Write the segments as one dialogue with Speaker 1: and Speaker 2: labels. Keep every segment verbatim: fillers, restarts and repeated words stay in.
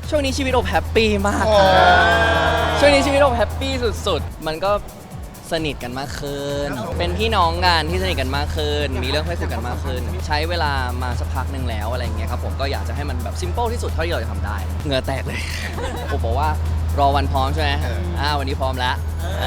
Speaker 1: ช่วงนี้ชีวิตโอบแฮปปี้มากครับช่วงนี้ชีวิตโอบแฮปปี้สุดๆมันก็สนิทกันมากขึ้นเป็นพี่น้องกันที่สนิทกันมากขึ้นมีเรื่องให้คุยกันมากขึ้นใช้เวลามาสักพักหนึ่งแล้วอะไรเงี้ยครับผมก็อยากจะให้มันแบบซิมเปิลที่สุดเท่าที่เราจะทำได้เหงื่อแตกเลยผมบอกว่ารอวันพร้อมใช่ไหมอ่าวันนี้พร้อมแล้ว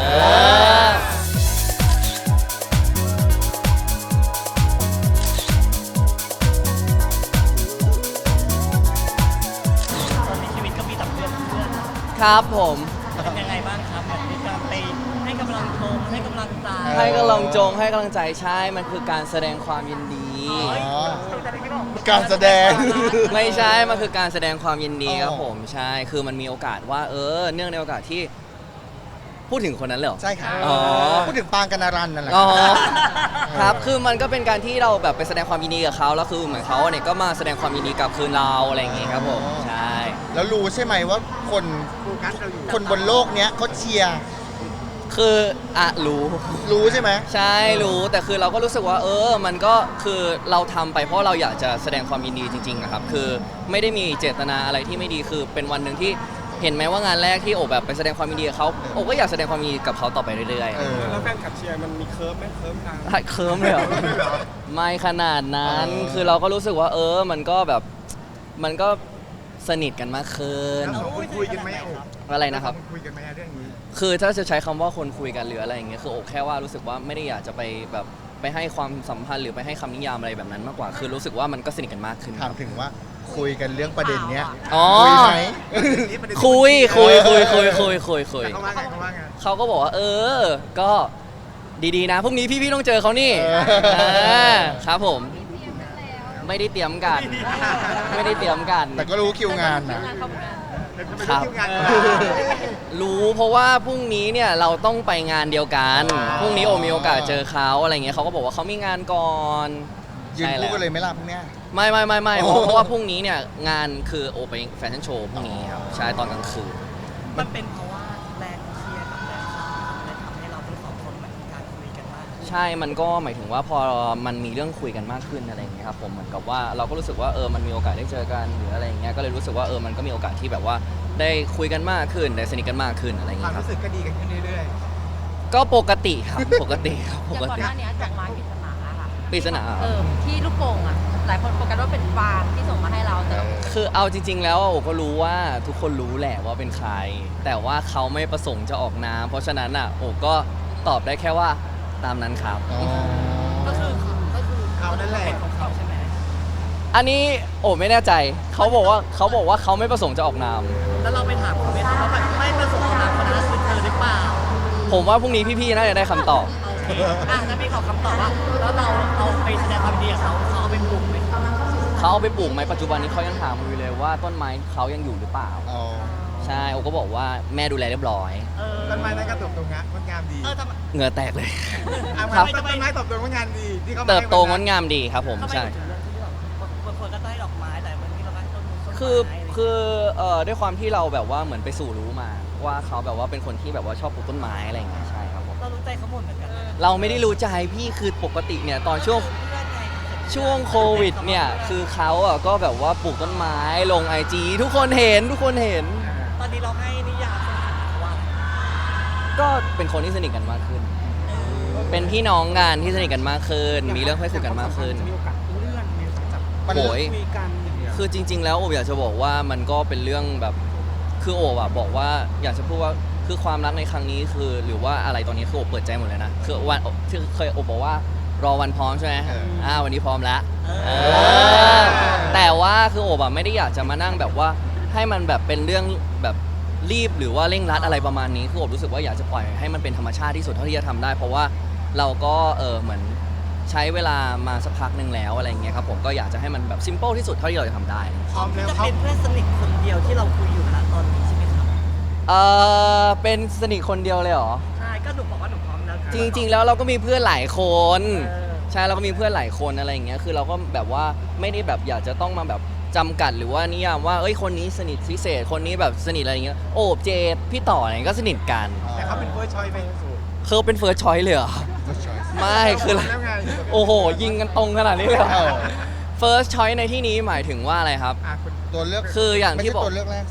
Speaker 1: ครับผม
Speaker 2: เป็นยังไงบ้างครับแบบมีการไปให้กำลังชมให้กำลังใจ
Speaker 1: ให้กำลังจงให้กำลังใจใช่มันคือการแสดงความยินดี
Speaker 3: การแสดง
Speaker 1: ไม่ใช่มันคือการแสดงความยินดีครับผมใช่คือมันมีโอกาสว่าเออเนื่องในโอกาสที่พูดถึงคนนั้นเลยเหรอ
Speaker 3: ใช่ค่ะพูดถึงปางกนารันนั่นแหละ
Speaker 1: อ๋อครับคือมันก็เป็นการที่เราแบบไปแสดงความยินดีกับเขาแล้วคือเหมือนเขาเนี่ยก็มาแสดงความยินดีกับคืนเราอะไรอย่างงี้ครับผมใช่
Speaker 3: แล้วรู้ใช่ไหมว่าคนคนบนโลกเนี้ยเขาเชียร์
Speaker 1: คืออ่ะรู้
Speaker 3: รู้ใช่ไหม
Speaker 1: ใช่รู้แต่คือเราก็รู้สึกว่าเออมันก็คือเราทำไปเพราะเราอยากจะแสดงความยินดีจริงๆนะครับคือไม่ได้มีเจตนาอะไรที่ไม่ดีคือเป็นวันหนึ่งที่เห็นไหมว่างานแรกที่โอบแบบไปแสดงความยินดีกับเขาโอบก็อยากแสดงความยินดีกับเขาต่อไปเรื่อย
Speaker 4: ๆแล้วแฟนคลับเชียร์มันมีเคิร์ฟไหมเคิร์ฟทาง
Speaker 1: เคิร์ฟเลยเหรอไม่ขนาดนั้นคือเราก็รู้สึกว่าเออมันก็แบบมันก็สนิทกันมากขึ้น
Speaker 4: คุยกันไหม
Speaker 1: อะไรนะครับ
Speaker 4: คุยกันไหมเรื่องนี้
Speaker 1: คือถ้าจะใช้คำว่าคนคุยกันหรืออะไรอย่างเงี้ยคือโอบแค่ว่ารู้สึกว่าไม่ได้อยากจะไปแบบไปให้ความสัมพันธ์หรือไปให้คำนิยามอะไรแบบนั้นมากกว่าคือรู้สึกว่ามันก็สนิทกันมากขึ้น
Speaker 3: ถามถึงว่าคุยกันเรื่องประเด็นเนี้ย
Speaker 1: คุย
Speaker 3: ไหม
Speaker 1: คุยคุยคุยคุยคุยคุยคุย
Speaker 4: เขาว่าไงเขาว่าไง
Speaker 1: เขาก็บอกว่าเออก็ดีๆนะพรุ่งนี้พี่ๆต้องเจอเขานี่ครับผมไม่ได้เตรียมกันไม่ได้เตรียมกัน
Speaker 3: แต่ก็รู้คิวงานนะครับ
Speaker 1: รู้เพราะว่าพรุ่งนี้เนี่ยเราต้องไปงานเดียวกันพรุ่งนี้โอมีโอกาสเจอเขาอะไรเงี้ยเขาก็บอกว่าเขามีงานก่อน
Speaker 3: ยืนคู่กันเลยไหมล่ะพรุ่งนี้
Speaker 1: ไม่ไม่ไม่ไม่เพราะว่าพรุ่งนี้เนี่ยงานคือโอไปแฟชั่นโชว์พรุ่งนี้ครับใช่ตอนกลางคืน
Speaker 2: มันเป็นเพราะว่าแรงเชียร์กับแรงข่าวเลยทำให้เราทั้งสองคนเหมือนการคุยกันมาก
Speaker 1: ใช่มันก็หมายถึงว่าพอมันมีเรื่องคุยกันมากขึ้นอะไรอย่างเงี้ยครับผมเหมือนกับว่าเราก็รู้สึกว่าเออมันมีโอกาสได้เจอกันหรืออะไรอย่างเงี้ยก็เลยรู้สึกว่าเออมันก็มีโอกาสที่แบบว่าได้คุยกันมากขึ้นได้สนิทกันมากขึ้นอะไรอย่างเงี้ย
Speaker 4: ครับรู้สึกก็ดีกันขึ้นเรื่อย
Speaker 1: ๆก็ปกติครับปกติครับปกติ
Speaker 5: อย่างก่อนหน้านี้ดอกไม้ปริศนาค่ะ
Speaker 1: ปริศนา
Speaker 5: เออที่ลูกโป่งอ่ะหลายคนโฟกัสว่าเป็นฟางที่ส่งมาให้เราแต่
Speaker 1: คือเอาจริงๆแล้วโอก็รู้ว่าทุกคนรู้แหละว่าเป็นใครแต่ว่าเขาไม่ประสงค์จะออกนามเพราะฉะนั้นอ่ะโอก็ตอบได้แค่ว่าตามนั้นครับ
Speaker 2: ก็คือก็คือเขานั่นแหละเป็นของเขาใช่ไหม
Speaker 1: อันนี้โอไม่แน่ใจเขาบอกว่าเขาบอกว่าเขาไม่ประสงค์จะออกนาม
Speaker 2: แล้วเราไปถามเขาไหมคะว่าไม่ประสงค์ออกนามคนนั้นคือเธอหรือเปล่า
Speaker 1: ผมว่าพรุ่งนี้พี่ๆน่าจะได้คำตอบ
Speaker 2: อ่ะถ้าพี่ขอคำตอบว่าแล้วเราเราไปแสดงความดีกับเขาเขาเอาไปปลูกไหม
Speaker 1: เขาเอาไปปลูกไหมปัจจุบันนี้เขายังถามอยู่เลยว่าต้นไม้เขายังอยู่หรือเปล่าใช่โอก็บอกว่าแม่ดูแลเรียบร้อย
Speaker 4: ต้นไม้นั้นก็เติบโตงดงามดี
Speaker 1: เหงื่อแตกเลย
Speaker 4: ครับต้นไม้เติบโตงดงามดีที่เขา
Speaker 1: เติบโตงดงามดีครับผมใช่
Speaker 2: บางคนก็ได้ดอกไม้แต่บางทีเราก็ต้นไม้
Speaker 1: คือคือเอ่อด้วยความที่เราแบบว่าเหมือนไปสู่รู้มาว่าเขาแบบว่าเป็นคนที่แบบว่าชอบปลูกต้นไม้อะไรอย่างเงี้ยใช่ครับผม
Speaker 2: เรารู้ใจเขาหมดเหมือนกัน
Speaker 1: เราไม่ได้รู้ใจพี่คือปกติเนี่ยตอนช่วงช่วงโควิดเนี่ยคือเขาอ่ะก็แบบว่าปลูกต้นไม้ลงไอจีทุกคนเห็นทุกคนเห็น
Speaker 2: ตอนนี้เราให้นิยามสถานะว่า
Speaker 1: ก็เป็นคนที่สนิทกันมากขึ้นเป็นพี่น้องกันที่สนิทกันมากขึ้นมีเรื่องให้คุยกันมากขึ้น
Speaker 4: มีโอกาสเลื่อนมีโอกาสจับ
Speaker 1: โอยคือจริงๆแล้วโอบอยากจะบอกว่ามันก็เป็นเรื่องแบบคือโอบอะบอกว่าอยากจะพูดว่าคือความรักในครั้งนี้คือหรือว่าอะไรตอนนี้คือโอบเปิดใจหมดเลยนะคือวันที่เคยโอบบอกว่ารอวันพร้อมใช่ไหมอ่าวันนี้พร้อมแล้วแต่ว่าคือโอบอะไม่ได้อยากจะมานั่งแบบว่าให้มันแบบเป็นเรื่องแบบรีบหรือว่าเร่งรัดอะไรประมาณนี้คือโอบรู้สึกว่าอยากจะปล่อยให้มันเป็นธรรมชาติที่สุดเท่าที่จะทำได้เพราะว่าเราก็เออเหมือนใช้เวลามาสักพักหนึ่งแล้วอะไรอย่างเงี้ยครับผมก็อยากจะให้มันแบบซิมเปิลที่สุดเท่าที่เราจะทำได้
Speaker 2: พร้อมแล้วจะเป็นเพื่อนสนิทคนเดียวที่เราคุยอยู่นะตอนนี้ใช่ไหมครับ
Speaker 1: เออเป็นสนิทคนเดียวเลยเหรอ
Speaker 2: ใช่ก็หนูบอกว่าหนูพร้อมแล้ว
Speaker 1: จริงๆแล้วเราก็มีเพื่อนหลายคนใช่เราก็มีเพื่อนหลายคนอะไรอย่างเงี้ยคือเราก็แบบว่าไม่ได้แบบอยากจะต้องมาแบบจำกัดหรือว่านิยามว่าเอ้ยคนนี้สนิทพิเศษคนนี้แบบสนิทอะไรอย่างเงี้ยโอบเจดพี่ต่ออะไรก็สนิทกัน
Speaker 4: แต่เขาเป็นเฟิร์สชอยส์ไหม
Speaker 1: เขาเป็นเฟิร์สชอยส์เลยเหรอไม่คือโอ้โหยิงกันตรงขนาดนี้เลย first choice ในที่นี้หมายถึงว่าอะไรครับ
Speaker 3: ตัวเลือก
Speaker 1: คืออย่างที่บอก
Speaker 3: ตัวเลือกแรกสิ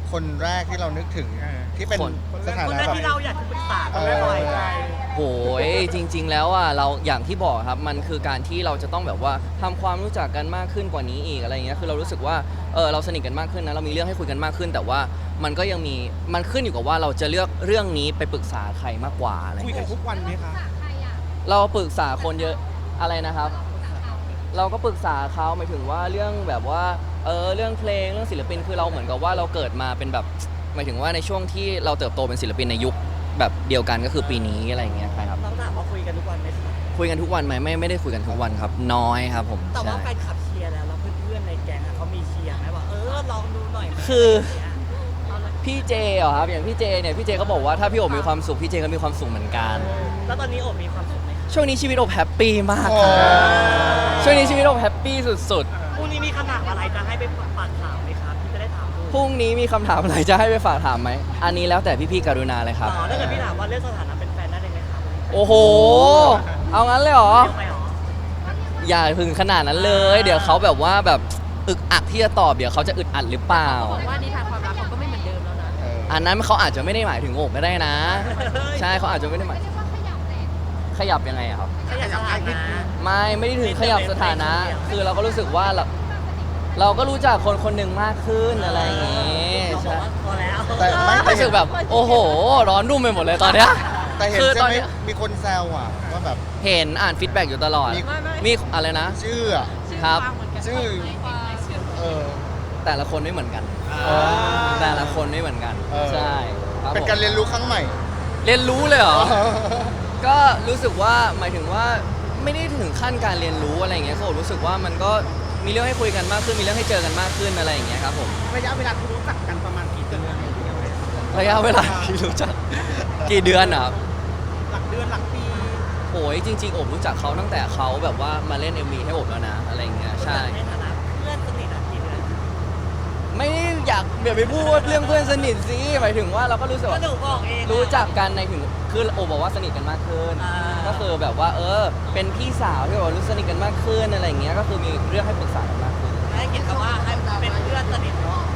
Speaker 3: คนแรกที่เรานึกถึงที่เป็น
Speaker 1: คน
Speaker 3: สถา
Speaker 2: คน
Speaker 3: นะ
Speaker 2: แรก
Speaker 3: แบบ
Speaker 2: ที่เราอยากจะปรึกษา
Speaker 3: เอ
Speaker 2: เขา
Speaker 3: อ
Speaker 2: บ่อยใจ
Speaker 1: โหยจริง ๆ แล้วอ่ะเราอย่างที่บอกครับมันคือการที่เราจะต้องแบบว่าทำความรู้จักกันมากขึ้นกว่านี้อีกอะไรอย่างเงี้ยคือเรารู้สึกว่าเออเราสนิทกันมากขึ้นนะเรามีเรื่องให้คุยกันมากขึ้น แต่ว่ามันก็ยังมีมันขึ้นอยู่กับว่าเราจะเลือกเรื่องนี้ไปปรึกษาใครมากกว่าอะไรอย่าง
Speaker 4: คุย
Speaker 1: เงี้ย
Speaker 4: กันทุกวันไหมคะ
Speaker 1: เราปรึกษาคนเยอะอะไรนะครับ เราก็ปรึกษาเขาหมายถึงว่าเรื่องแบบว่าเออเรื่องเพลงเรื่องศิลปินคือเราเหมือนกับว่าเราเกิดมาเป็นแบบหมายถึงว่าในช่วงที่เราเติบโตเป็นศิลปินในยุคแบบเดียวกันก็คือปีนี้อะไรอย่างเงี้ยครับ
Speaker 2: ต้องถามว่าคุยกันทุกวันไหมคะ
Speaker 1: คุยกันทุกวันไหมไม่ไม่ได้คุยกันทุกวันครับ น้อยครับผม
Speaker 2: แต่ว่า
Speaker 1: ใช่
Speaker 2: แฟนคลับเชียร์แล้วแล้วเพื่อนๆในแก๊งอะเขามีเชียร์ไหมว่าเออลองดูหน่อยไหม
Speaker 1: คือ
Speaker 2: ะไรย่างเงี้ยเอาเลย
Speaker 1: พี่เจเหรอครับอย่างพี่เจเนี่ยพี่เจก็บอกว่าถ้าพี่โอบมีความสุขพี่เจก็มีความสุขเหมือนกัน
Speaker 2: แล้วตอนนี้โอบมีความสุขไหมคะ
Speaker 1: ช่วงนี้ชีวิตโอบแฮปปี้มาก
Speaker 3: โอ้
Speaker 1: ครับช่วงนี้ชีวิตโอบแฮปปี้สุด
Speaker 2: พรุ่งนี้มีคำถามอะไรจะให้ไปฝากถามไหมครับที่จะได้ถามดู
Speaker 1: ๆพรุ่งนี้มีคำถามอะไรจะให้ไปฝากถามไหมอันนี้แล้วแต่พี่ๆกรุณาเลยครับ
Speaker 2: อ๋อถ้าเกิดพี่ถามว่าเรื่องสถานะเป็นแฟนได้เลยไหมครับ
Speaker 1: โอ้โห เอางั้นเลยเหรอ
Speaker 2: เร็วไปเหรอ
Speaker 1: อย่าถึงขนาดนั้นเลย เดี๋ยวเขาแบบว่าแบบอึกอักที่จะตอบเดี๋ยวเขาจะอึดอัดหรือเปล่า
Speaker 5: บอกว่านิทานความรักเขาก็ไม่เหมือนเดิมแล้วนะ
Speaker 3: เออ
Speaker 1: อันนั้นเขาอาจจะไม่ได้หมายถึงโอบก็ได้นะ ใช่เขาอาจจะไม่ได้หมายขยับยังไงอะครับ
Speaker 2: ขยับสถานะ
Speaker 1: ไม่ไม่ได้ถึงขยับสถานะ คือเราก็รู้สึกว่าเราเราก็รู้จักคนคนหนึ่งมากขึ้นอะไรอย่างงี้
Speaker 2: เราบอ
Speaker 1: ใช่
Speaker 2: กว่าพอแล้ว
Speaker 3: แต่ไม่แต่
Speaker 1: รู้สึกแบบโอ้โห ร้อนรุ่มไปหมดเลยตอนเนี้ย
Speaker 3: แต่เห็น
Speaker 1: คือ
Speaker 3: ใช่
Speaker 1: ตอน
Speaker 3: ไหม
Speaker 1: เนี้ย
Speaker 3: มีคนแซวอ่ะว่าแบบ
Speaker 1: เห็นอ่านฟีดแบ็กอยู่ตลอด
Speaker 3: มี
Speaker 5: ไม่ไม่
Speaker 1: มีอะไรนะ
Speaker 3: ชื่ออ่ะ
Speaker 1: ครับ
Speaker 3: ชื่อ เออ
Speaker 1: แต่ละคนไม่เหมือนกัน
Speaker 3: อ๋อ
Speaker 1: แต่ละคนไม่เหมือนกัน
Speaker 3: เออ
Speaker 1: ใช่ครับ
Speaker 3: เป็น
Speaker 1: ผม
Speaker 3: การเรียนรู้ครั้งใหม่
Speaker 1: เรียนรู้เลยเหรอ ก็รู้สึกว่าหมายถึงว่าไม่ได้ถึงขั้นการเรียนรู้อะไรอย่างเงี้ยเขารู้สึกว่ามันก็มีเรื่องให้คุยกันมากขึ้นมีเรื่องให้เจอกันมากขึ้นอะไรอย่างเงี้ยครับผม
Speaker 4: ระยะเวลาที่รู้จักกันประมาณกี่เดือน
Speaker 1: ระยะเวลาที่รู้จักกี่เดือนอ่ะ
Speaker 4: หลักเดือนหลักปี
Speaker 1: โอ้ยจริงๆโอบรู้จักเขาตั้งแต่เขาแบบว่ามาเล่น เอ็ม วี ให้โอบแล้วนะอะไรอย่างเงี้ยใช่
Speaker 2: ในฐานะเพื่อนสนิทอะกี่เดือน
Speaker 1: ไม่ได้อยากเดี๋ยวไปพูดเรื่องเพื่อนสนิทสิหมายถึงว่าเราก็รู้สึก
Speaker 2: ก็
Speaker 1: ว่า
Speaker 2: หนูบอกเองอะ
Speaker 1: รู้จักกันในถึงคือโอบบอกว่าสนิทกันมากขึ้น
Speaker 2: อ่า
Speaker 1: ก็คือแบบว่าเออเป็นพี่สาวที่แบบว่ารู้สนิทกันมากขึ้นอะไรอย่างเงี้ยก็คือมีเรื่องให้ปรึกษากันมากขึ้น
Speaker 2: ให้เกียรติคำว่าให้เป็นเพื่อนสนิทเนาะ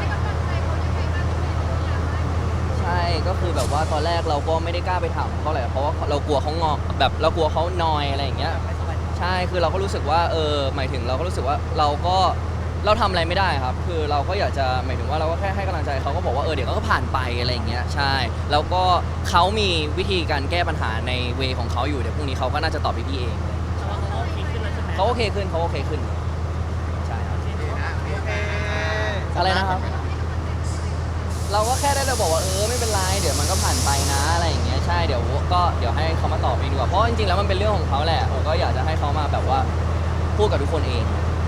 Speaker 1: ใช่ก็คือแบบว่าตอนแรกเราก็ไม่ได้กล้าไปถามเขาเลยเพราะว่าเรากลัวเขางอแบบเรากลัวเขานอยอะไรอย่างเงี้ย
Speaker 2: ไม่สบายใจ
Speaker 1: ใช่คือเราก็รู้สึกว่าเออหมายถึงเราก็รู้สึกว่าเราก็เราทำอะไรไม่ได้ครับ คือเราก็อยากจะหมายถึงว่าเราก็แค่ให้กำลังใจเขาก็บอกว่าเออเดี๋ยวเขาก็ผ่านไปอะไรอย่างเงี้ยใช่แล้วก็เขามีวิธีการแก้ปัญหาในเวของเขาอยู่เดี๋ยวพรุ่งนี้เขาก็น่าจะตอบพี่ๆเอง
Speaker 2: แต่ว่าเขาก็โอเคขึ้นแล้วใช่ไหม
Speaker 1: เขาโอเคขึ้นเขาโอเคขึ้นใช่ครับ อะไรนะครับ เราก็แค่ได้แต่บอกว่าเออไม่เป็นไรเดี๋ยวมันก็ผ่านไปนะอะไรอย่างเงี้ยใช่เดี๋ยวก็เดี๋ยวให้เขามาตอบเองดีกว่าเพราะจริงๆแล้วมันเป็นเรื่องของเขาแหละผมก็อยากจะให้เขามาแบบว่าพูดกับทุกคนเอง